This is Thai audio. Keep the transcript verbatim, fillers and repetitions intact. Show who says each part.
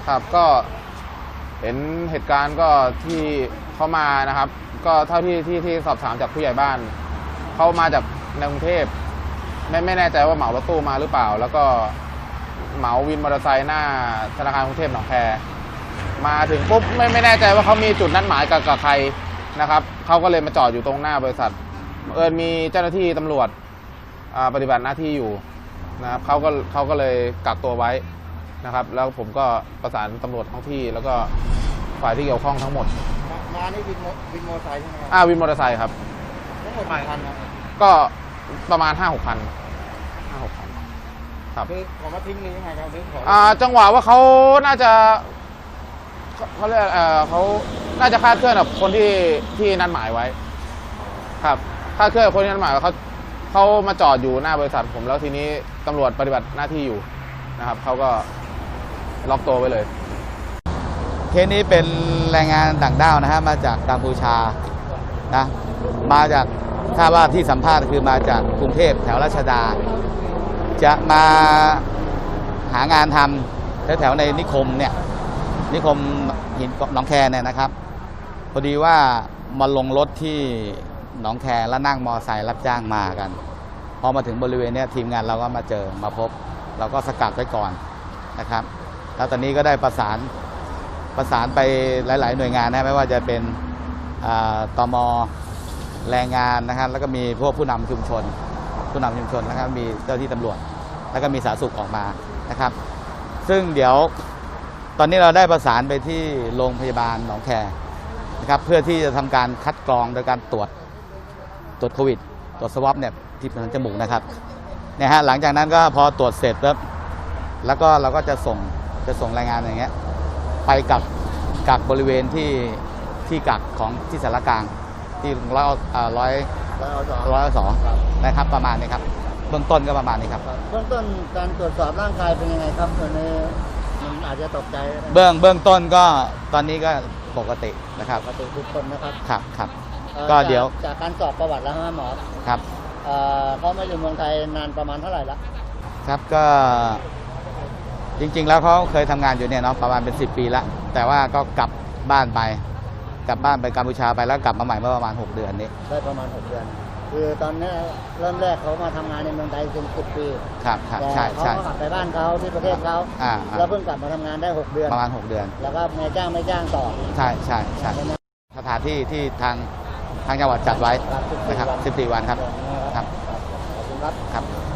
Speaker 1: ครับก็เห็นเหตุการณ์ก็ที่เขามานะครับก็เท่าที่ที่ที่สอบถามจากผู้ใหญ่บ้านเขามาจากในกรุงเทพไม่ไม่แน่ใจว่าเหมารถตู้มาหรือเปล่าแล้วก็เหมาวินมอเตอร์ไซค์หน้าธนาคารกรุงเทพหนองแคมาถึงปุ๊บไม่ไม่แน่ใจว่าเขามีจุดนัดหมายกับกับใครนะครับเขาก็เลยมาจอดอยู่ตรงหน้าบริษัทเอิญมีเจ้าหน้าที่ตำรวจปฏิบัติหน้าที่อยู่นะครับเขาก็เขาก็เลยกักตัวไว้นะครับแล้วผมก็ประสานตำรวจท้องที่แล้วก็ฝ่ายที่เกี่ยวข้องทั้งหมด
Speaker 2: มานี่วินวินมอเตอร์ไซค์ใช่ไหมครับ
Speaker 1: อ่าวินมอเตอร์ไซค์ครับ
Speaker 2: ทั้งหมดกี่คันครับ
Speaker 1: ก็ประมาณห้าหกคันห้าหกคันครับ
Speaker 2: คือของมาทิ้งหรือยังไงครับหรือของ
Speaker 1: อ่าจังหวะว่าเขาน่าจะเขาเรียกเอ่อเขาน่าจะคาดเคลื่อนกับคนที่ที่นัดหมายไว้ครับคาดเคลื่อนกับคนที่นัดหมายเขาเขามาจอดอยู่หน้าบริษัทผมแล้วทีนี้ตำรวจปฏิบัติหน้าที่อยู่นะครับเขาก็ล็อกตัวไว้เลย
Speaker 3: เคสนี้เป็นแรงงานต่างด้าวนะฮะมาจากกัมพูชานะมาจากทราบว่าที่สัมภาษณ์คือมาจากกรุงเทพแถวราชดาจะมาหางานทำแถวๆในนิคมเนี่ยนิคมหินหนองแคเนี่ยนะครับพอดีว่ามาลงรถที่หนองแคแล้วนั่งมอไซค์รับจ้างมากันพอมาถึงบริเวณนี้ทีมงานเราก็มาเจอมาพบเราก็สกัดไว้ก่อนนะครับแล้วตอนนี้ก็ได้ประสานประสานไปหลายๆหน่วยงานนะไม่ว่าจะเป็นตม.แรงงานนะครับแล้วก็มีพวกผู้นำชุมชนผู้นำชุมชนนะครับมีเจ้าที่ตำรวจแล้วก็มีสาธารณสุขออกมานะครับซึ่งเดี๋ยวตอนนี้เราได้ประสานไปที่โรงพยาบาลหนองแคนะครับเพื่อที่จะทำการคัดกรองโดยการตรวจตรวจโควิดตรวจสวอปเนี่ยที่ทางจมูกนะครับเนี่ยฮะหลังจากนั้นก็พอตรวจเสร็จแล้วแล้วก็เราก็จะส่งจะส่งรายงานอย่างเงี้ยไปกับกักบริเวณที่ที่กักของที่สารกลางที่ร้อยร้อยร้อยสองนะครับประมาณนี้ครับเบื้องต้นก็ประมาณนี้ครับ
Speaker 2: เบื้องต้นการตรวจสอบร่างกายเป็นยังไงครับตอนนี้มันอาจจะตกใจ
Speaker 3: เบื้องเบื้องต้นก็ตอนนี้ก็ปกตินะครับ
Speaker 2: ปกติทุกคนนะครับ
Speaker 3: ครับครับก็เดี๋ยว
Speaker 2: จากการสอบประวัติแล้วฮะหมอ
Speaker 3: ครับ
Speaker 2: เขามาอยู่เมืองไทยนานประมาณเท่าไหร่ละ
Speaker 3: ครับก็จริงๆแล้วเขาเคยทำงานอยู่เนี่ยเนาะประมาณเป็นสิบปีแล้วแต่ว่าก็กลับบ้านไปกลับบ้านไปกัมพูชาไปแล้วกลับมาใหม่เมื่อประมาณหกเดือนนี้
Speaker 2: ได้ประมาณหกเดือนคือตอนนี้เริ่มแรกเขามาทำงานในเมืองไทยเป็นสิบปี
Speaker 3: ครับครับใช่ใช่
Speaker 2: เขากลับไปบ้านเขาที่ประเทศเขาแล้วเพิ่งกลับมาทำงานได้หกเดือน
Speaker 3: ประมาณหกเดือน
Speaker 2: แล้วก็นายจ้างไม่จ้างต่อ
Speaker 3: ใช่ใช่ใช่สถานที่ที่ทางทางจังหวัดจัดไว้นะครับสิบสี่วันครับ
Speaker 2: ครับขอบคุณครับ
Speaker 3: ครับ